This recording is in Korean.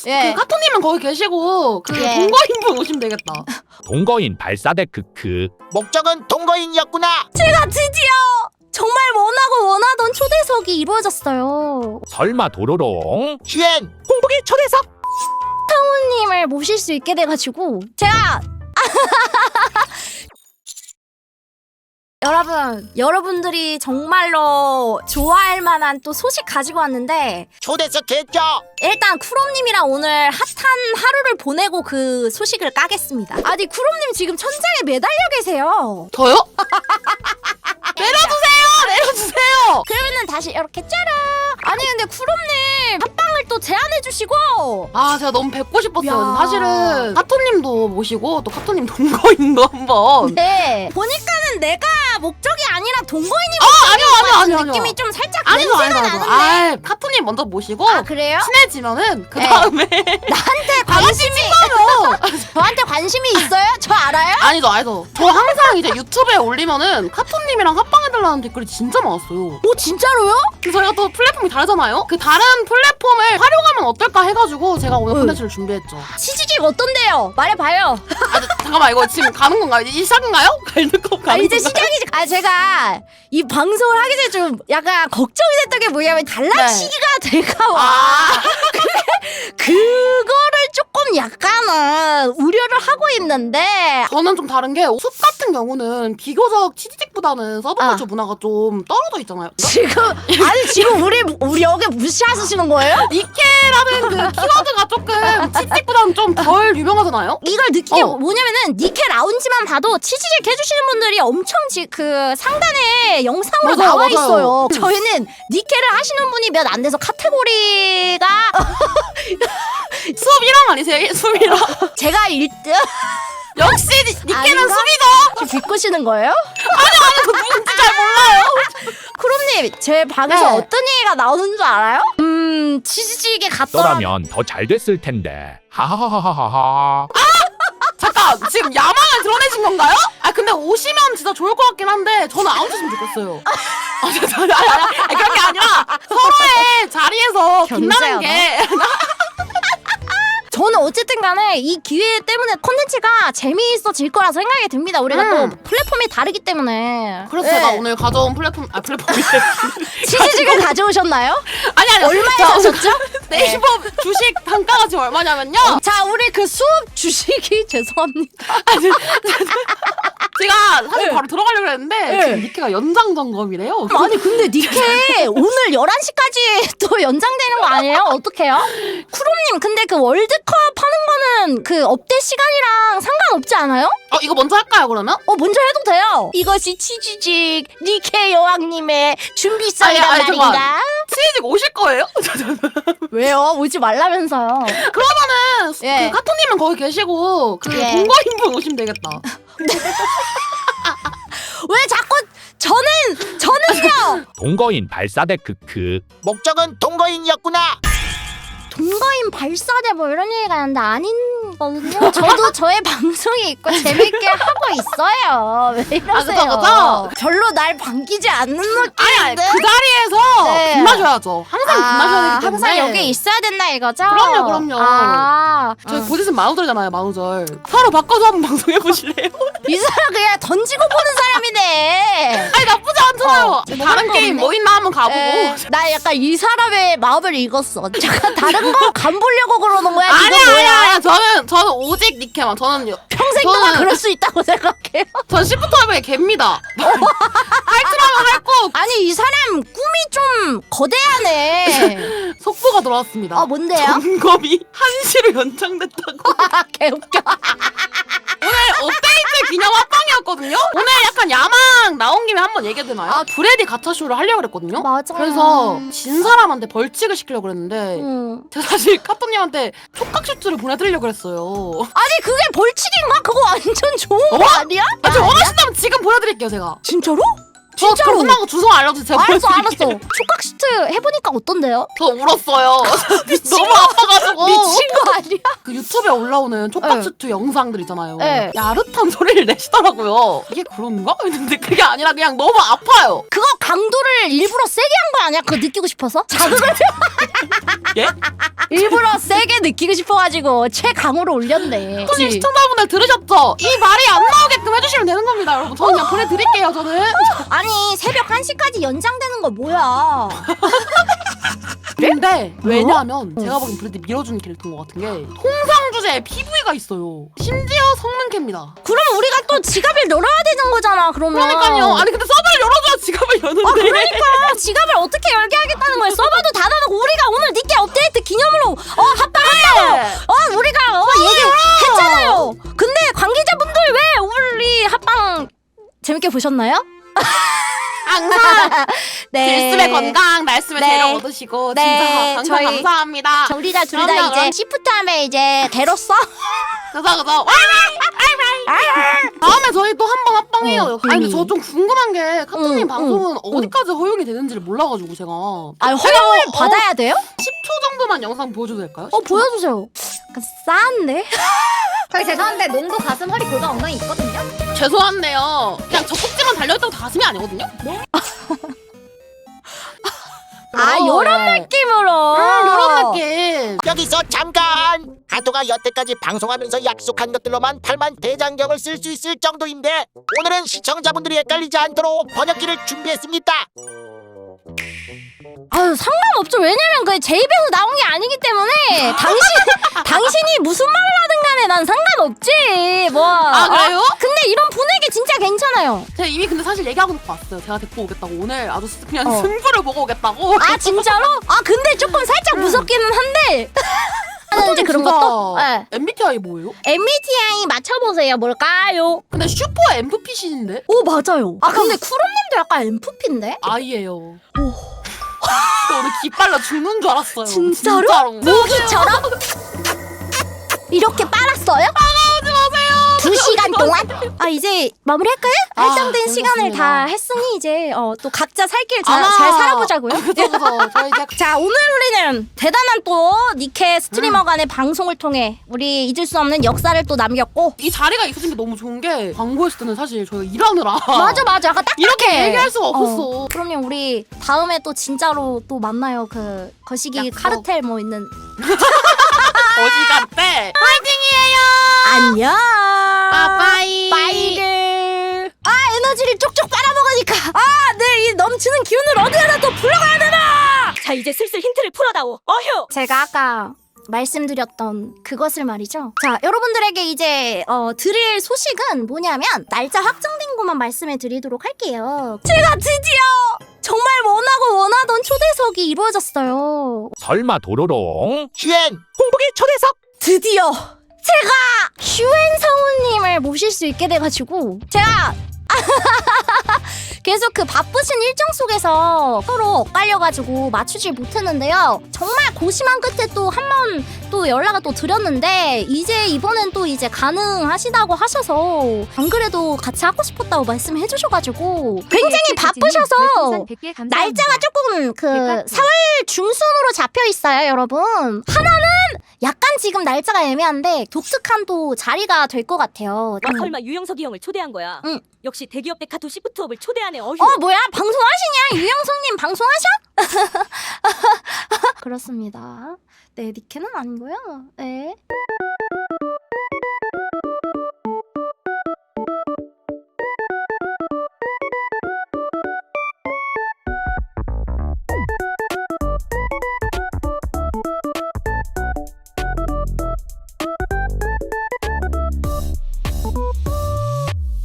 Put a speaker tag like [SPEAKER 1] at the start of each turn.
[SPEAKER 1] 예.
[SPEAKER 2] 그 카토님은 거기 계시고 그
[SPEAKER 1] 예.
[SPEAKER 2] 동거인분 오시면 되겠다.
[SPEAKER 3] 동거인 발사대 크크.
[SPEAKER 4] 목적은 동거인이었구나.
[SPEAKER 1] 제가 드디어 정말 원하던 초대석이 이루어졌어요.
[SPEAKER 3] 설마 도로롱?
[SPEAKER 4] 슈엔
[SPEAKER 3] 홍보기 초대석.
[SPEAKER 1] 님을 모실 수 있게 돼가지고 제가 여러분들이 정말로 좋아할 만한 또 소식 가지고 왔는데
[SPEAKER 4] 초대석 했죠.
[SPEAKER 1] 일단 쿠롬님이랑 오늘 핫한 하루를 보내고 그 소식을 까겠습니다. 아니 쿠롬님 지금 천장에 매달려 계세요.
[SPEAKER 2] 저요? 내려주세요.
[SPEAKER 1] 그러면은 다시 이렇게 짜라. 아니 근데 쿠롬님 합방을 또 제안해 주시고
[SPEAKER 2] 아 제가 너무 뵙고 싶었어요.
[SPEAKER 1] 야.
[SPEAKER 2] 사실은 카토님도 모시고 또 카토님 동거인도 한번.
[SPEAKER 1] 네 보니까는 내가 목적이 아니라 동거인이
[SPEAKER 2] 아니요.
[SPEAKER 1] 느낌이 좀 살짝
[SPEAKER 2] 아니죠.
[SPEAKER 1] 냄새가 나는데.
[SPEAKER 2] 아 카토님 먼저 모시고
[SPEAKER 1] 아 그래요?
[SPEAKER 2] 친해지면은 그
[SPEAKER 1] 네.
[SPEAKER 2] 다음에
[SPEAKER 1] 나한테 관심이 저한테 관심이 있어요? 저 알아요?
[SPEAKER 2] 아니죠. 저 항상 이제 유튜브에 올리면은 카토님이랑 합방해달라는 댓글이 진짜 많았어요.
[SPEAKER 1] 오 진짜로요?
[SPEAKER 2] 저희가 또 플랫폼이 다르잖아요. 그 다른 플랫폼을 활용하면 어떨까 해가지고 제가 오늘 콘텐츠를 준비했죠.
[SPEAKER 1] 치즈직 어떤데요? 말해봐요.
[SPEAKER 2] 잠깐만 이거 지금 가는 건가요? 이제 시작인가요? 갈등컵 가는
[SPEAKER 1] 이제
[SPEAKER 2] 건가요?
[SPEAKER 1] 시작이지. 제가 이 방송을 하기 전에 좀 약간 걱정이 됐던 게 뭐냐면 갈라치기가 될까 봐.
[SPEAKER 2] 아
[SPEAKER 1] 그거를 조금 약간은 우려를 하고 있는데
[SPEAKER 2] 저는 좀 다른 게 숲 같은 경우는 비교적 치즈직보다는 서브컬처 문화가 좀 떨어져 있잖아요.
[SPEAKER 1] 지금 우리 여기 무시하시는 거예요?
[SPEAKER 2] 니케라는 그 키워드가 조금 치즈직보다는 좀 덜 유명하잖아요.
[SPEAKER 1] 이걸 느끼게 뭐냐면은 니케 라운지만 봐도 치즈직 해주시는 분들이 엄청 그 상단에 영상으로
[SPEAKER 2] 맞아요,
[SPEAKER 1] 나와
[SPEAKER 2] 맞아요.
[SPEAKER 1] 있어요. 저희는 니케를 하시는 분이 몇 안 돼서 카테고리가
[SPEAKER 2] 수업 1학 아니세요? 수업 1학.
[SPEAKER 1] 제가 1등
[SPEAKER 2] 역시 니케는
[SPEAKER 1] 아닌가?
[SPEAKER 2] 수비죠.
[SPEAKER 1] 비꼬시는 거예요?
[SPEAKER 2] 저 누군지 잘 몰라요.
[SPEAKER 1] 크롬님 제 방에서
[SPEAKER 2] 네.
[SPEAKER 1] 어떤 얘기가 나오는 줄 알아요? 치즈직에 갔더라.
[SPEAKER 3] 너라면 더 잘 됐을 텐데. 하하하하하.
[SPEAKER 2] 잠깐 지금 야망을 드러내신 건가요? 아 근데 오시면 진짜 좋을 것 같긴 한데 저는 안 오셨으면 좋겠어요. 아니, 그런 게 아니라 서로의 자리에서 빛나는 게
[SPEAKER 1] 저는 어쨌든 간에 이 기회 때문에 콘텐츠가 재미있어질 거라 생각이 듭니다. 우리가 또 플랫폼이 다르기 때문에.
[SPEAKER 2] 그래서
[SPEAKER 1] 네.
[SPEAKER 2] 제가 오늘 가져온 플랫폼이
[SPEAKER 1] 치즈직을 가져오셨나요?
[SPEAKER 2] 아니
[SPEAKER 1] 얼마에
[SPEAKER 2] 자,
[SPEAKER 1] 사셨죠?
[SPEAKER 2] 네이버 주식 단가가 지금 얼마냐면요.
[SPEAKER 1] 자, 우리 그 수업 주식이 죄송합니다.
[SPEAKER 2] 제가 사실 바로 들어가려고 했는데
[SPEAKER 1] 네.
[SPEAKER 2] 지금 니케가 연장 점검이래요.
[SPEAKER 1] 아니 근데 니케 오늘 11시까지 또 연장되는 거 아니에요? 어떡해요? 쿠롬님 근데 그 월드컵 하는 거는 그 업데 시간이랑 상관없지 않아요?
[SPEAKER 2] 이거 먼저 할까요 그러면?
[SPEAKER 1] 먼저 해도 돼요. 이것이 치즈직 니케 여왕님의 준비성이란
[SPEAKER 2] 아니, 잠깐만.
[SPEAKER 1] 말인가?
[SPEAKER 2] 치즈직 오실 거예요?
[SPEAKER 1] 왜요? 오지 말라면서요.
[SPEAKER 2] 그러면은
[SPEAKER 1] 예.
[SPEAKER 2] 그 카토님은 거기 계시고 그
[SPEAKER 1] 예.
[SPEAKER 2] 동거인분 오시면 되겠다.
[SPEAKER 1] 왜 자꾸 저는요
[SPEAKER 3] 동거인 발사대 크크.
[SPEAKER 4] 목적은 동거인이었구나.
[SPEAKER 1] 동거인 발사대 뭐 이런 얘기가 있는데 아닌거든요. 저도 저의 방송이 있고 재밌게 하고 있어요. 왜 이러세요?
[SPEAKER 2] 그죠?
[SPEAKER 1] 별로 날 반기지 않는
[SPEAKER 2] 아니
[SPEAKER 1] 느낌인데.
[SPEAKER 2] 그 자리에서
[SPEAKER 1] 네.
[SPEAKER 2] 빛나셔야죠. 항상 빛나셔야 되기 때문에.
[SPEAKER 1] 항상 여기 있어야 된다 이거죠?
[SPEAKER 2] 그럼요.
[SPEAKER 1] 저희
[SPEAKER 2] 곧 있으면 만우절이잖아요. 만우절. 서로 바꿔서 한번 방송해 보실래요?
[SPEAKER 1] 이 사람 그냥 던지고 보는 사람이네.
[SPEAKER 2] 아니 나쁘지 않잖아요. 다른
[SPEAKER 1] 거
[SPEAKER 2] 게임
[SPEAKER 1] 없네.
[SPEAKER 2] 뭐 있나 한번 가보고.
[SPEAKER 1] 나 약간 이 사람의 마음을 읽었어. 잠깐 다른 거 간보려고 그러는 거야? 이거 뭐야?
[SPEAKER 2] 아니야. 저는 오직 니케만. 저는
[SPEAKER 1] 평생 동안 그럴 수 있다고 생각해요.
[SPEAKER 2] 전 시프트웨이의 개입니다. 할 줄 하면 할 거.
[SPEAKER 1] 아니 이 사람 꿈이 좀 거대하네.
[SPEAKER 2] 속보가 들어왔습니다.
[SPEAKER 1] 뭔데요?
[SPEAKER 2] 점검이 1시로 연장됐다고.
[SPEAKER 1] 개웃겨.
[SPEAKER 2] 오늘 업데이트 기념 합방이었거든요. 오늘 약간 야망 나온 김에 한번 얘기해도 되나요? 브레디 가차쇼를 하려고 그랬거든요.
[SPEAKER 1] 맞아.
[SPEAKER 2] 그래서 진 사람한테 벌칙을 시키려고 그랬는데 제가 사실 카토님한테 촉각슈트를 보내드리려고 그랬어요.
[SPEAKER 1] 아니 그게 벌칙인가? 그거 완전 좋은 거 아니야?
[SPEAKER 2] 저 원하신다면 지금 보내드릴게요 제가.
[SPEAKER 1] 진짜로?
[SPEAKER 2] 저
[SPEAKER 1] 진짜로?
[SPEAKER 2] 끝나고 주소 알려주세요.
[SPEAKER 1] 알았어.
[SPEAKER 2] 보내드릴게요.
[SPEAKER 1] 촉각 슈트 해보니까 어떤데요?
[SPEAKER 2] 저 울었어요.
[SPEAKER 1] 미친
[SPEAKER 2] 너무
[SPEAKER 1] 거.
[SPEAKER 2] 아파가지고.
[SPEAKER 1] 미친 거 아니야?
[SPEAKER 2] 그 유튜브에 올라오는 촉밥슈트 영상들 있잖아요.
[SPEAKER 1] 네.
[SPEAKER 2] 야릇한 소리를 내시더라고요. 이게 그런가? 근데 그게 아니라 그냥 너무 아파요.
[SPEAKER 1] 그거 강도를 일부러 세게 한 거 아니야? 그거 느끼고 싶어서? 자극을
[SPEAKER 2] 예?
[SPEAKER 1] 일부러 세게 느끼고 싶어가지고 최강으로 올렸네.
[SPEAKER 2] 손님 시청자분들 들으셨죠? 이 말이 안 나오게끔 해주시면 되는 겁니다, 여러분. 저는 그냥 보내드릴게요, 저는.
[SPEAKER 1] 아니 새벽 1시까지 연장되는 거 뭐야?
[SPEAKER 2] 근데 왜냐하면 제가 보기엔 브래드 밀어주는 캐릭터인 것 같은 게 통상 주제에 PV가 있어요. 심지어 성능캐입니다.
[SPEAKER 1] 그럼 우리가 또 지갑을 열어야 되는 거잖아. 그러면.
[SPEAKER 2] 그러니까요. 아니 근데 서버를 열어줘야 지갑을 여는데.
[SPEAKER 1] 아 그러니까 지갑을 어떻게 열게 하겠다는 거야. 서버도 닫아놓고 우리가 오늘 니께 업데이트 기념으로 합방한다고. 우리가 얘기했잖아요. 근데 관계자분들 왜 우리 합방 재밌게 보셨나요?
[SPEAKER 2] 항상
[SPEAKER 1] 네.
[SPEAKER 2] 들숨의 건강, 날숨의
[SPEAKER 1] 네.
[SPEAKER 2] 재력 얻으시고
[SPEAKER 1] 네.
[SPEAKER 2] 진짜
[SPEAKER 1] 저희
[SPEAKER 2] 감사합니다.
[SPEAKER 1] 우리가 둘 다
[SPEAKER 2] 그럼요,
[SPEAKER 1] 이제
[SPEAKER 2] 그럼.
[SPEAKER 1] 시프트 하면 이제 개로써
[SPEAKER 2] 그래서 다음에 저희 또 한 번 합방해요. 아니 근데 저 좀 궁금한 게 카트님 방송은 어디까지 허용이 되는지를 몰라가지고 제가
[SPEAKER 1] 허용을 받아야 돼요?
[SPEAKER 2] 10초 정도만 영상 보여줘도 될까요?
[SPEAKER 1] 보여주세요. 약간 싸한데?
[SPEAKER 5] 저희 죄송한데 농구 가슴 허리 골반 엉덩이 있거든요.
[SPEAKER 2] 죄송한데요. 그냥 젖꼭지만 달려있다고 가슴이 아니거든요?
[SPEAKER 1] 요런 느낌으로.
[SPEAKER 2] 이런 느낌.
[SPEAKER 4] 여기서 잠깐! 하토가 여태까지 방송하면서 약속한 것들로만 8만 대장경을 쓸 수 있을 정도인데 오늘은 시청자분들이 헷갈리지 않도록 번역기를 준비했습니다.
[SPEAKER 1] 상관없죠. 왜냐면 그게 제 입에서 나온 게 아니기 때문에 당신이 무슨 말을 하든 간에 난 상관없지. 뭐.
[SPEAKER 2] 아 그래요?
[SPEAKER 1] 근데 이런 분위기 진짜 괜찮아요.
[SPEAKER 2] 제가 이미 근데 사실 얘기하고 놓고 왔어요. 제가 데리고 오겠다고 오늘 아주 그냥 승부를 보고 오겠다고.
[SPEAKER 1] 아 진짜로? 근데 조금 살짝 무섭기는 한데. 이제 그런
[SPEAKER 2] 진짜
[SPEAKER 1] 것도? 네.
[SPEAKER 2] MBTI 뭐예요?
[SPEAKER 1] MBTI 맞춰보세요. 뭘까요?
[SPEAKER 2] 근데 슈퍼 MFP신데?
[SPEAKER 1] 오 맞아요. 근데 쿠롬님도 약간 MFP인데?
[SPEAKER 2] 아이예요. 저 오늘 기빨려 죽는 줄 알았어요.
[SPEAKER 1] 진짜로? 모기처럼? 이렇게 빨았어요?
[SPEAKER 2] 하지 마세요.
[SPEAKER 1] 2시간 동안? 이제 마무리할까요? 할당된 시간을
[SPEAKER 2] 재밌었습니다.
[SPEAKER 1] 다 했으니 이제 또 각자 살 길 잘
[SPEAKER 2] 아마-
[SPEAKER 1] 살아보자고요.
[SPEAKER 2] 그죠. 저희 이제
[SPEAKER 1] 자 오늘 우리는 대단한 또 니케 스트리머 간의 방송을 통해 우리 잊을 수 없는 역사를 또 남겼고
[SPEAKER 2] 이 자리가 있어진 게 너무 좋은 게 광고했을 때는 사실 저희가 일하느라
[SPEAKER 1] 맞아 약간 딱딱해.
[SPEAKER 2] 이렇게 얘기할 수가 없었어.
[SPEAKER 1] 그럼요 우리 다음에 또 진짜로 또 만나요. 그 거시기
[SPEAKER 2] 약속.
[SPEAKER 1] 카르텔 뭐 있는
[SPEAKER 2] 어디 갔대? 파이팅이에요.
[SPEAKER 1] 안녕
[SPEAKER 2] 빠빠이.
[SPEAKER 1] 빠이를 에너지를 쪽쪽 빨아먹으니까 내 이 넘치는 기운을 어디 하나 또 불러가야 되나.
[SPEAKER 6] 자 이제 슬슬 힌트를 풀어다오. 어휴.
[SPEAKER 1] 제가 아까 말씀드렸던 그것을 말이죠. 자 여러분들에게 이제 드릴 소식은 뭐냐면 날짜 확정된 것만 말씀해 드리도록 할게요. 제가 드디어 정말 원하던 초대석이 이루어졌어요.
[SPEAKER 3] 설마 도로롱?
[SPEAKER 4] 휴엔!
[SPEAKER 3] 홍보기 초대석!
[SPEAKER 1] 드디어 제가 휴엔 성우님을 모실 수 있게 돼가지고 제가 계속 그 바쁘신 일정 속에서 서로 엇갈려가지고 맞추질 못했는데요. 정말 고심한 끝에 또 한 번 또 연락을 또 드렸는데 이제 이번엔 또 이제 가능하시다고 하셔서 안 그래도 같이 하고 싶었다고 말씀해 주셔가지고 굉장히 바쁘셔서 날짜가 조금 그 4월 중순으로 잡혀 있어요, 여러분. 하나는 약간 지금 날짜가 애매한데 독특한 또 자리가 될 것 같아요.
[SPEAKER 6] 설마 유영석이 형을 초대한 거야?
[SPEAKER 1] 응.
[SPEAKER 6] 역시 대기업 데카토 시프트업을 초대하네. 어휴.
[SPEAKER 1] 뭐야? 방송하시냐? 유영석님 방송하셔? 그렇습니다. 네, 니케는 아니고요. 네.